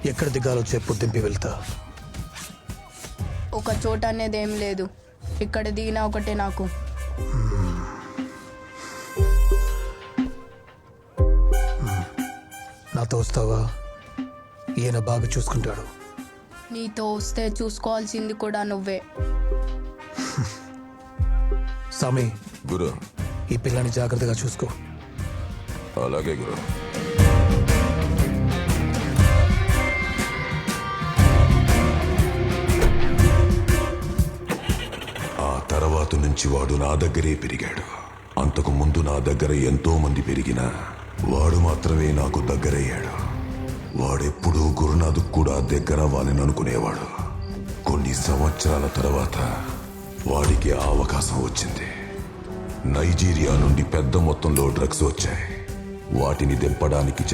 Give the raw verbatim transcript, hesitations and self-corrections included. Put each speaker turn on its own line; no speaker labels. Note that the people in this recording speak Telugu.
ఎక్కడ దిగాలో చెప్పు, దింపి వెళ్తా.
ఒక చోట అనేది ఏం లేదు, ఇక్కడ దిగినా ఒకటే నాకు.
నాతో వస్తావా? ఈయన బాగా చూసుకుంటాడు.
నీతో వస్తే చూసుకోవాల్సింది కూడా నువ్వే.
సామి,
గురు.
ఈ పిల్లని జాగ్రత్తగా చూసుకో.
అలాగే గురు. ఆ తర్వాత నుంచి వాడు నా దగ్గరే పెరిగాడు. అంతకు ముందు నా దగ్గర ఎంతో మంది పెరిగినా వాడు మాత్రమే నాకు దగ్గరయ్యాడు. వాడెప్పుడూ గురునాథ్ కూడా దగ్గర వాళ్ళని అనుకునేవాడు. కొన్ని సంవత్సరాల తర్వాత వాడికి ఆ అవకాశం వచ్చింది. నైజీరియా నుండి పెద్ద మొత్తంలో డ్రగ్స్ వచ్చాయి. వాటిని దింపడానికి